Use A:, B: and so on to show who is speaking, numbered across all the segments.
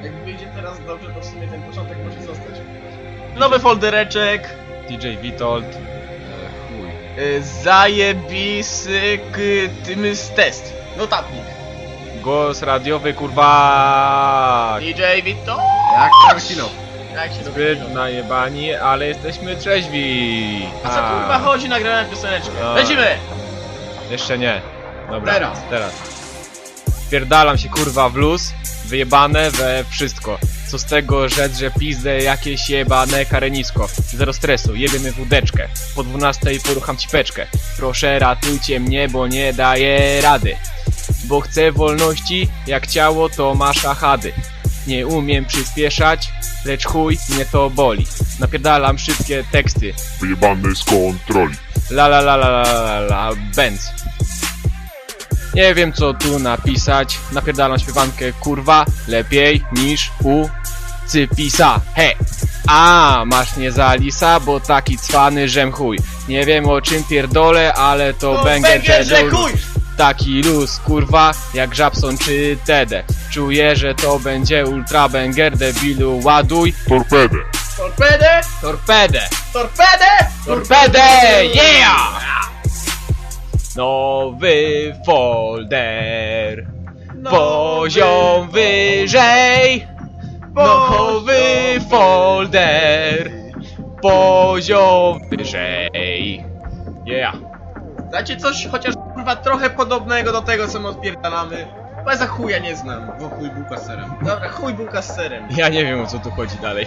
A: Jak wyjdzie teraz dobrze, to w sumie ten początek może zostać. Nowy foldereczek.
B: DJ Witold. Chuj.
A: Zajebisy tym test. Notatnik.
B: Głos radiowy, kurwa.
A: DJ Vito.
C: Jak Tarantino.
A: Jak się
B: Zbyt najebani, ale jesteśmy trzeźwi.
A: A co kurwa chodzi, nagrałem pioseneczkę.
B: A.
A: Lecimy!
B: Jeszcze nie. Dobra,
C: Teraz.
B: Wpierdalam się kurwa w luz, wyjebane we wszystko. Co z tego rzec, że pizdę jakieś jebane karenisko. Zero stresu, jebiemy wódeczkę. Po 12 porucham ci peczkę. Proszę ratujcie mnie, bo nie daję rady. Bo chcę wolności, jak ciało to ma szachady. Nie umiem przyspieszać, lecz chuj mnie to boli. Napierdalam szybkie teksty.
D: Wyjebany z kontroli.
B: La la la la la la la Benz. Nie wiem co tu napisać. Napierdalam śpiewankę kurwa lepiej niż u Cypisa. He! A masz nie za lisa, bo taki cwany żem chuj. Nie wiem o czym pierdolę, ale to banger
A: że chuj!
B: Taki luz kurwa jak Żabson czy Tede. Czuję, że to będzie ultra banger, debilu ładuj.
D: Torpedę.
A: Torpedę!
B: Torpedę!
A: Torpedę!
B: Torpedę! Yeah! Nowy folder. Poziom wyżej. Nowy folder. Poziom wyżej. Yeah.
A: Dajcie coś chociaż kurwa trochę podobnego do tego, co my odpierdalamy. Bo ja za chuja nie znam.
C: Bo chuj bułka z serem.
A: Dobra, chuj bułka z serem.
B: Ja nie wiem o co tu chodzi dalej.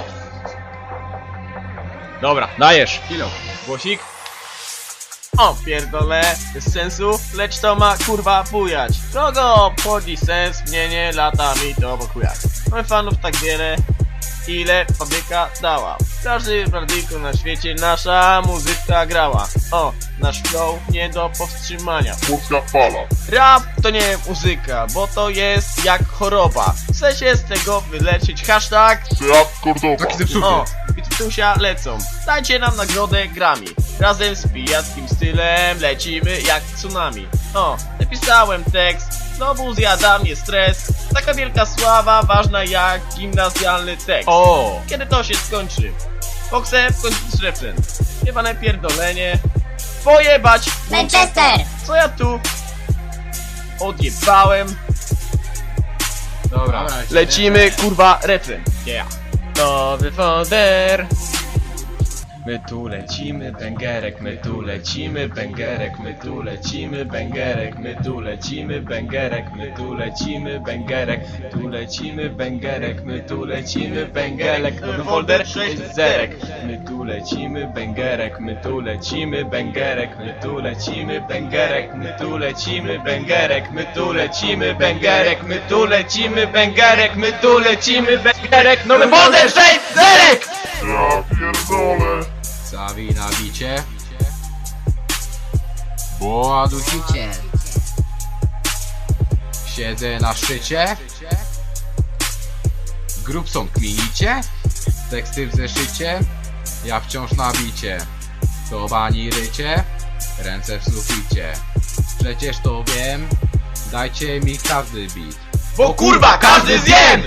B: Dobra, dajesz.
C: Kilo.
B: Głosik.
A: O, pierdolę, bez sensu, lecz to ma kurwa bujać. Kogo obchodzi sens, mnie nie lata mi to pokujać. Mamy fanów tak wiele, ile fabryka dała. W każdym radyjku na świecie nasza muzyka grała. O, nasz flow nie do powstrzymania.
D: Polska fala.
A: Rap to nie muzyka, bo to jest jak choroba. Chce się z tego wyleczyć, hashtag.
D: Seat Cordoba.
C: Taki zepsuty.
A: O, Bitusia lecą. Dajcie nam nagrodę Grammy. Razem z pijackim stylem lecimy jak tsunami. O, napisałem tekst, znowu zjada mnie stres. Taka wielka sława, ważna jak gimnazjalny tekst.
B: O!
A: Kiedy to się skończy? Bo chcę skończyć refren. Jebane pierdolenie. Pojebać!
E: Manchester!
A: Co ja tu odjebałem?
B: Dobra.
A: Lecimy, kurwa, refren.
B: Yeah. Nowy folder. My tu lecimy, bęgerek, my tu lecimy, bęgerek, my tu lecimy, bęgerek, my tu lecimy, bęgerek, my tu lecimy, bęgerek, tu lecimy, bęgerek, my tu lecimy, bęgerek, nowy folder, 6 zerek. My tu lecimy, bęgerek, my tu lecimy, bęgerek, my tu lecimy, bęgerek, my tu lecimy, bęgerek, my tu lecimy, bęgerek, my tu lecimy, bęgerek, my tu lecimy, bęgerek, nowy folder, 6 zerek!
D: Ja pierdolę.
C: Zawij na bicie. Boa dusicie. Siedzę na szczycie. Grubson kminicie. Teksty w zeszycie. Ja wciąż na bicie. To bani rycie. Ręce w suficie. Przecież to wiem. Dajcie mi każdy beat.
A: Bo kurwa, każdy zjem!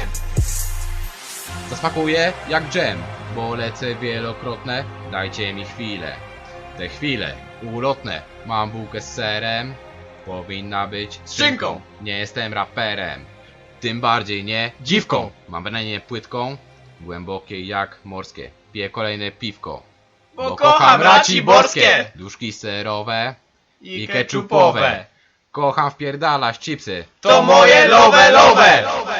C: Zasmakuję jak dżem, bo lecę wielokrotne, dajcie mi chwilę. Te chwile ulotne, mam bułkę z serem, powinna być z szynką. Nie jestem raperem, tym bardziej nie dziwką. Mam branie płytką, głębokie jak morskie, piję kolejne piwko.
A: Bo kocham raci borskie!
C: Duszki serowe
A: I
C: i keczupowe. Kocham wpierdalać chipsy.
A: To moje love, love!